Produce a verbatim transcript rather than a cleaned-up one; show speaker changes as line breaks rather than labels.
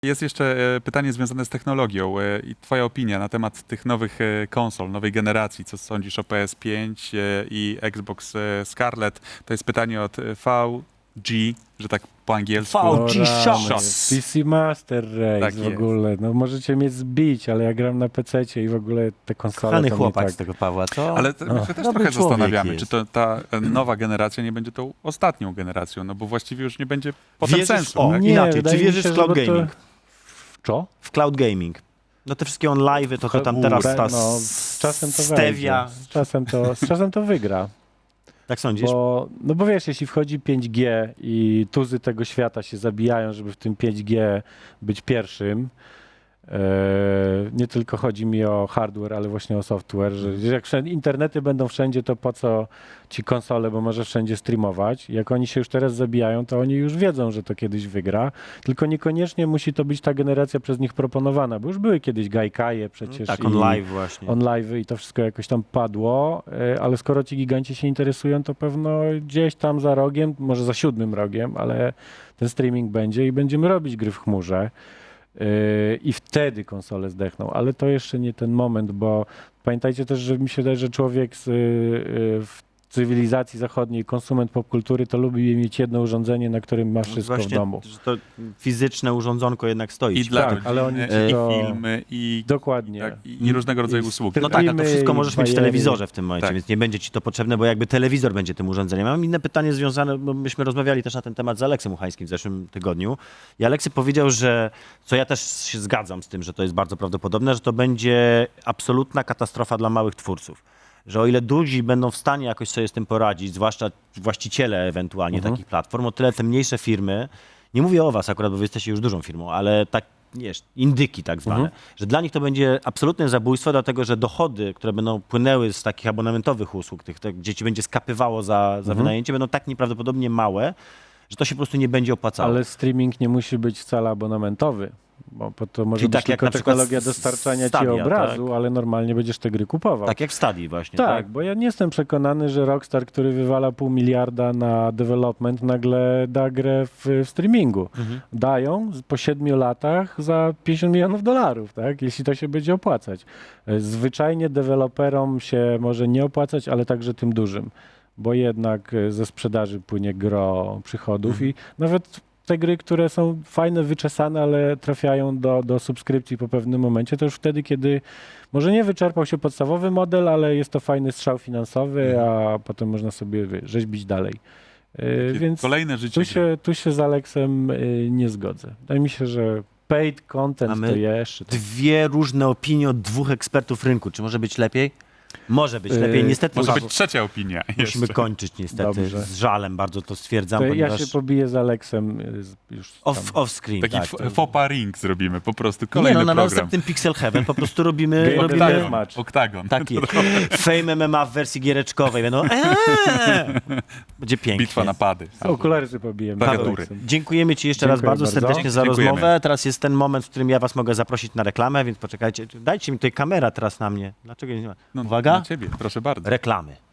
Jest jeszcze e, pytanie związane z technologią e, i twoja opinia na temat tych nowych e, konsol, nowej generacji. Co sądzisz o P S pięć e, i Xbox e, Scarlett? To jest pytanie od e, V G, że tak po angielsku.
V G
O
Shots.
rany, P C Master Race
Tak
w
jest.
ogóle. No możecie mnie zbić, ale ja gram na pececie i w ogóle te konsole
Kochany
to
chłopak
mnie
z
tak...
tego Pawła, co?
Ale to, my się też
dobry
trochę
człowiek
zastanawiamy,
jest.
czy to ta e, nowa generacja nie będzie tą ostatnią generacją, no bo właściwie już nie będzie potem
Wierzysz-
sensu.
o,
tak?
Nie,
inaczej,
wydaje
czy
mi
wierzysz
się,
w cloud
że bo to-
gaming?
W co?
W cloud gaming. No te wszystkie on live'y, to, to tam
U,
teraz
be-
ta
no, z czasem to
stevia.
wejdzie. Z czasem to, z czasem to wygra.
Tak sądzisz?
Bo, no bo wiesz, jeśli wchodzi pięć G i tuzy tego świata się zabijają, żeby w tym pięć G być pierwszym, e, nie tylko chodzi mi o hardware, ale właśnie o software, że jak wszędzie, internety będą wszędzie, to po co ci konsole, bo może wszędzie streamować. Jak oni się już teraz zabijają, to oni już wiedzą, że to kiedyś wygra, tylko niekoniecznie musi to być ta generacja przez nich proponowana, bo już były kiedyś Gaikaje przecież.
tak,
i-
on live właśnie.
on live i to wszystko jakoś tam padło, e, ale skoro ci giganci się interesują, to pewno gdzieś tam za rogiem, może za siódmym rogiem, ale ten streaming będzie i będziemy robić gry w chmurze e, i wtedy konsole zdechną, ale to jeszcze nie ten moment, bo pamiętajcie też, że mi się wydaje, że człowiek z, e, w cywilizacji zachodniej, konsument popkultury, to lubi mieć jedno urządzenie, na którym ma wszystko
Właśnie,
w domu.
że to fizyczne urządzonko jednak stoi.
I
ci.
dla
Tak,
rodziny,
ale oni
i
to-
filmy, i,
Dokładnie.
tak, i, i różnego rodzaju
I
usługi.
No tak, a to
Filmy
wszystko
i
możesz mieć w
bajery.
telewizorze w tym momencie,
Tak.
więc nie będzie ci to potrzebne, bo jakby telewizor będzie tym urządzeniem. Mam inne pytanie związane, bo myśmy rozmawiali też na ten temat z Aleksem Uchańskim w zeszłym tygodniu i Aleksy powiedział, że, co ja też się zgadzam z tym, że to jest bardzo prawdopodobne, że to będzie absolutna katastrofa dla małych twórców. Że o ile duzi będą w stanie jakoś sobie z tym poradzić, zwłaszcza właściciele ewentualnie
Mhm.
takich platform, o tyle te mniejsze firmy, nie mówię o was akurat, bo wy jesteście już dużą firmą, ale tak, wiesz, indyki tak zwane,
Mhm.
że dla nich to będzie absolutne zabójstwo, dlatego że dochody, które będą płynęły z takich abonamentowych usług, tych, tych gdzie ci będzie skapywało za, za
Mhm.
wynajęcie, będą tak nieprawdopodobnie małe, że to się po prostu nie będzie opłacało.
Ale streaming nie musi być wcale abonamentowy, bo bo to może
Czyli
być
tak jak
tylko
na przykład
technologia
s-
dostarczania ci
Stadia,
obrazu, ale normalnie będziesz te gry kupował.
Tak jak w Stadii właśnie,
tak,
tak?
bo ja nie jestem przekonany, że Rockstar, który wywala pół miliarda na development, nagle da grę w, w streamingu.
Mhm.
Dają z- po siedmiu latach za pięćdziesiąt milionów dolarów, tak? Jeśli to się będzie opłacać. E, Zwyczajnie deweloperom się może nie opłacać, ale także tym dużym, bo jednak e, ze sprzedaży płynie gro przychodów
Mhm.
i nawet te gry, które są fajne, wyczesane, ale trafiają do, do subskrypcji po pewnym momencie, to już wtedy, kiedy może nie wyczerpał się podstawowy model, ale jest to fajny strzał finansowy, a potem można sobie wie, rzeźbić dalej. Yy,
Takie
więc
Kolejne życie
tu
gry.
się, tu się z Aleksem yy, nie zgodzę. Wydaje mi się, że paid content
Mamy
to jeszcze...
Dwie różne opinie od dwóch ekspertów rynku. Czy może być lepiej? Może być lepiej.
Yy,
Niestety
Może
Paweł,
być trzecia opinia
musimy
jeszcze.
kończyć niestety.
Dobrze.
Z żalem bardzo to stwierdzam,
To ja
ponieważ
się pobiję z Aleksem yy, z- już tam.
off, off screen.
Taki
tak,
f-
to-
fopa ring zrobimy, po prostu
Nie
kolejny
no, na
program.
następnym Pixel Heaven po prostu robimy,
Game
robimy
Dev
Oktagon,
match.
oktagon.
taki Fame M M A w wersji giereczkowej. Będą eee! Będzie pięknie.
Bitwa na pady.
Okulary sobie pobijemy. z
Klawiatury.
Aleksem.
Dziękujemy ci jeszcze raz
Dziękuję
bardzo,
bardzo.
serdecznie za
Dziękujemy.
rozmowę. Teraz jest ten moment, w którym ja was mogę zaprosić na reklamę, więc poczekajcie. Dajcie mi tutaj kamera teraz na mnie. Dlaczego nie ma?
No,
Uwaga.
Na ciebie, proszę bardzo.
Reklamy.